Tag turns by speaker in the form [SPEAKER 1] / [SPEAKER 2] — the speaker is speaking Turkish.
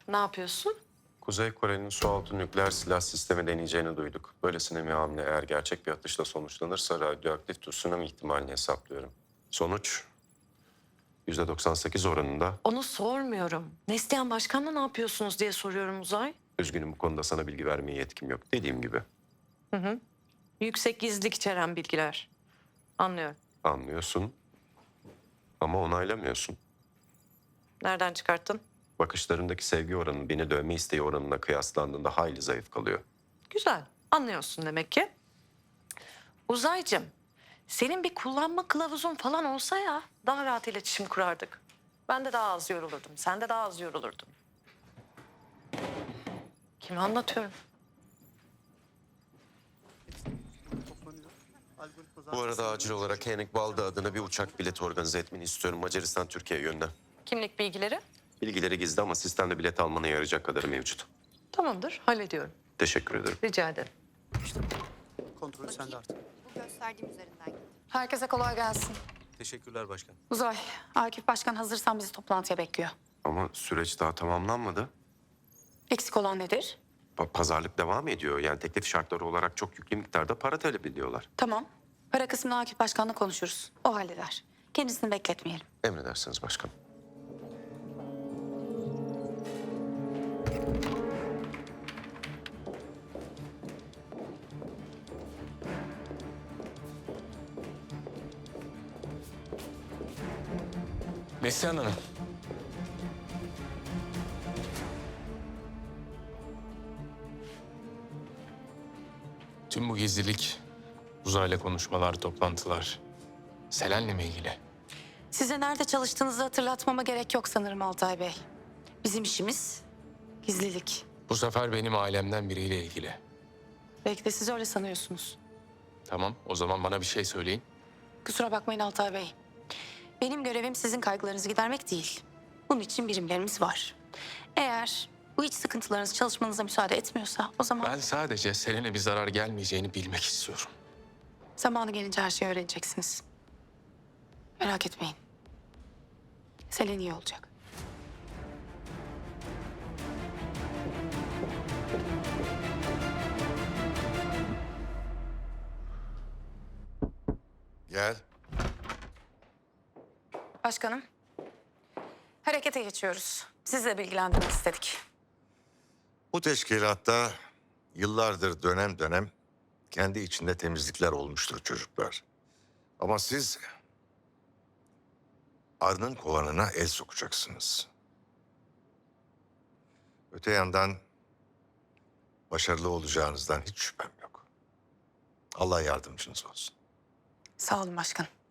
[SPEAKER 1] Ne yapıyorsun?
[SPEAKER 2] Kuzey Kore'nin sualtı nükleer silah sistemi deneyeceğini duyduk. Böylesine bir hamle eğer gerçek bir atışla sonuçlanırsa radyoaktif tsunami ihtimalini hesaplıyorum. Sonuç %98 oranında.
[SPEAKER 1] Onu sormuyorum. Neslihan Başkan'la ne yapıyorsunuz diye soruyorum Uzay.
[SPEAKER 2] Üzgünüm, bu konuda sana bilgi vermeye yetkim yok. Dediğim gibi.
[SPEAKER 1] Yüksek gizlilik içeren bilgiler. Anlıyorum.
[SPEAKER 2] Anlıyorsun ama onaylamıyorsun.
[SPEAKER 1] Nereden çıkarttın?
[SPEAKER 2] Bakışlarındaki sevgi oranı beni dövme isteği oranına kıyaslandığında hayli zayıf kalıyor.
[SPEAKER 1] Güzel. Anlıyorsun demek ki. Uzaycığım, senin bir kullanma kılavuzun falan olsa ya daha rahat iletişim kurardık. Ben de daha az yorulurdum. Sen de daha az yorulurdun. Kime anlatıyorum?
[SPEAKER 2] Bu arada acil olarak Henrik Balda adına bir uçak bileti organize etmeni istiyorum Macaristan Türkiye yönünden.
[SPEAKER 1] Kimlik bilgileri?
[SPEAKER 2] Bilgileri gizli ama sistemde bilet almana yarayacak kadarı mevcut.
[SPEAKER 1] Tamamdır, hallediyorum.
[SPEAKER 2] Teşekkür ederim.
[SPEAKER 1] Rica ederim.
[SPEAKER 3] Kontrolü sende artık.
[SPEAKER 4] Bu gösterdiğim üzerinden git.
[SPEAKER 5] Herkese kolay gelsin.
[SPEAKER 3] Teşekkürler başkan.
[SPEAKER 5] Uzay, Akif Başkan hazırsan bizi toplantıya bekliyor.
[SPEAKER 2] Ama süreç daha tamamlanmadı.
[SPEAKER 5] Eksik olan nedir?
[SPEAKER 2] Pazarlık devam ediyor. Yani teklif şartları olarak çok yüklü miktarda para talep ediyorlar.
[SPEAKER 5] Tamam. Para kısmını Akif Başkan'la konuşuruz. O halleder. Kendisini bekletmeyelim.
[SPEAKER 2] Emredersiniz başkanım.
[SPEAKER 6] Neslihan Hanım. Tüm bu gizlilik, uzayla konuşmalar, toplantılar, Selen'le mi ilgili?
[SPEAKER 5] Size nerede çalıştığınızı hatırlatmama gerek yok sanırım Altay Bey. Bizim işimiz gizlilik.
[SPEAKER 6] Bu sefer benim ailemden biriyle ilgili.
[SPEAKER 5] Belki de siz öyle sanıyorsunuz.
[SPEAKER 6] Tamam, o zaman bana bir şey söyleyin.
[SPEAKER 5] Kusura bakmayın Altay Bey. Benim görevim sizin kaygılarınızı gidermek değil. Bunun için birimlerimiz var. Eğer bu iç sıkıntılarınız çalışmanıza müsaade etmiyorsa o zaman
[SPEAKER 6] Ben sadece Selen'e bir zarar gelmeyeceğini bilmek istiyorum.
[SPEAKER 5] zamanı gelince her şeyi öğreneceksiniz. Merak etmeyin. Selen iyi olacak.
[SPEAKER 7] Gel.
[SPEAKER 5] Başkanım, harekete geçiyoruz. Sizle bilgilendirmek istedik.
[SPEAKER 7] Bu teşkilatta yıllardır dönem dönem kendi içinde temizlikler olmuştur çocuklar. Ama siz arının kovanına el sokacaksınız. Öte yandan başarılı olacağınızdan hiç şüphem yok. Allah yardımcınız olsun.
[SPEAKER 5] Sağ olun başkanım.